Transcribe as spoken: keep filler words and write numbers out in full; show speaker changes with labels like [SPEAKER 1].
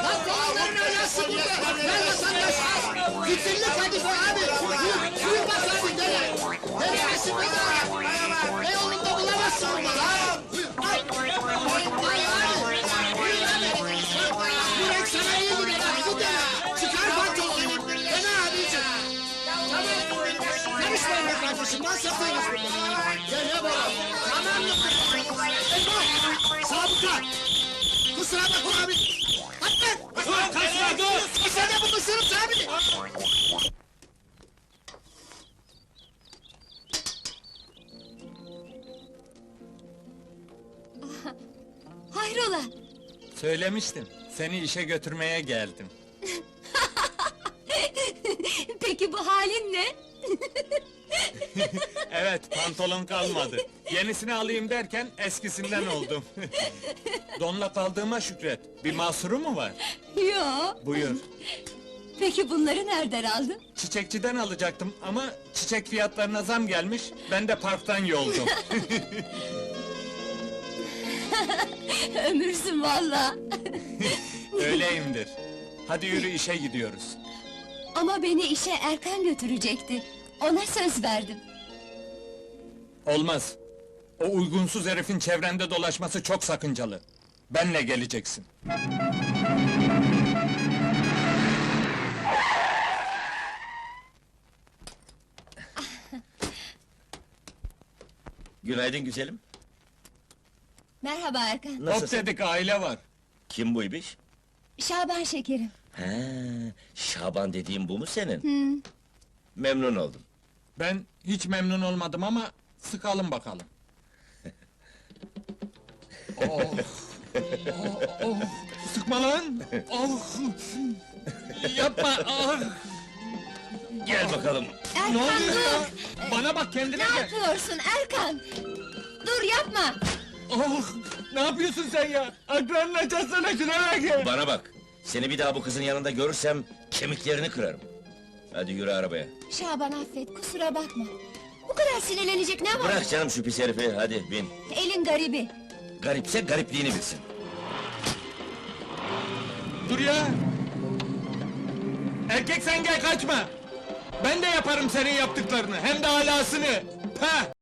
[SPEAKER 1] Lan kovaların ayası burada! Lan vatandaş az! Fitilli kadife abi! Buyur, buyur bak abi dene! Dene aşırı da! Ne yolunda bulamazsın bunu lan! Buyur! Ay! Ay abi! Buyur abi! Bu renk sana iyi gider abi, bu dene! Çıkar pantolonu! Dene abicim! Tamam! Karışmayın be kardeşim, ben satıyoruz burada! Gel ya baba! Tamam mı? Ebo! Sabıka! Kusura bakma abi! Atla!
[SPEAKER 2] Dur, kaçma, dur!
[SPEAKER 1] Sen de bu ısırıp abini!
[SPEAKER 3] Hayrola?
[SPEAKER 2] Söylemiştim, seni işe götürmeye geldim.
[SPEAKER 3] Peki bu halin ne?
[SPEAKER 2] Evet, pantolon kalmadı. Yenisini alayım derken eskisinden oldum. Donla kaldığıma şükret. Bir mahsuru mu var?
[SPEAKER 3] Yo.
[SPEAKER 2] Buyur.
[SPEAKER 3] Peki bunları nereden aldın?
[SPEAKER 2] Çiçekçiden alacaktım ama çiçek fiyatlarına zam gelmiş, ben de parktan yoldum.
[SPEAKER 3] Ömürsün valla.
[SPEAKER 2] Öyleyimdir. Hadi yürü, işe gidiyoruz.
[SPEAKER 3] Ama beni işe Erkan götürecekti. Ona söz verdim.
[SPEAKER 2] Olmaz. O uygunsuz herifin çevrende dolaşması çok sakıncalı. Benle geleceksin.
[SPEAKER 4] Günaydın güzelim.
[SPEAKER 3] Merhaba Erkan.
[SPEAKER 2] Hop
[SPEAKER 4] Nasılsın?
[SPEAKER 2] dedik, aile var.
[SPEAKER 4] Kim bu ibiş?
[SPEAKER 3] Şaban şekerim.
[SPEAKER 4] He, Şaban dediğim bu mu senin?
[SPEAKER 3] Hı.
[SPEAKER 4] Memnun oldum.
[SPEAKER 2] Ben hiç memnun olmadım ama sıkalım bakalım. oh, oh, oh. Sıkma lan! Oh. Yapma! Ah.
[SPEAKER 4] Gel bakalım.
[SPEAKER 3] Erkan
[SPEAKER 2] Ne oluyor
[SPEAKER 3] dur!
[SPEAKER 2] ya? Bana bak, kendine
[SPEAKER 3] Ne
[SPEAKER 2] gel!
[SPEAKER 3] yapıyorsun Erkan? Dur yapma!
[SPEAKER 2] Oh, ne yapıyorsun sen ya? Akranını açarsana, şuna bak!
[SPEAKER 4] Bana bak. Seni bir daha bu kızın yanında görürsem kemiklerini kırarım. Hadi yürü arabaya.
[SPEAKER 3] Şaban affet, kusura bakma. Bu kadar sinirlenecek ne var?
[SPEAKER 4] Bırak canım şu pis herifi, hadi bin.
[SPEAKER 3] Elin garibi.
[SPEAKER 4] Garipse garipliğini bilsin.
[SPEAKER 2] Dur ya! Erkek sen gel, kaçma! Ben de yaparım senin yaptıklarını, hem de alasını! Pah!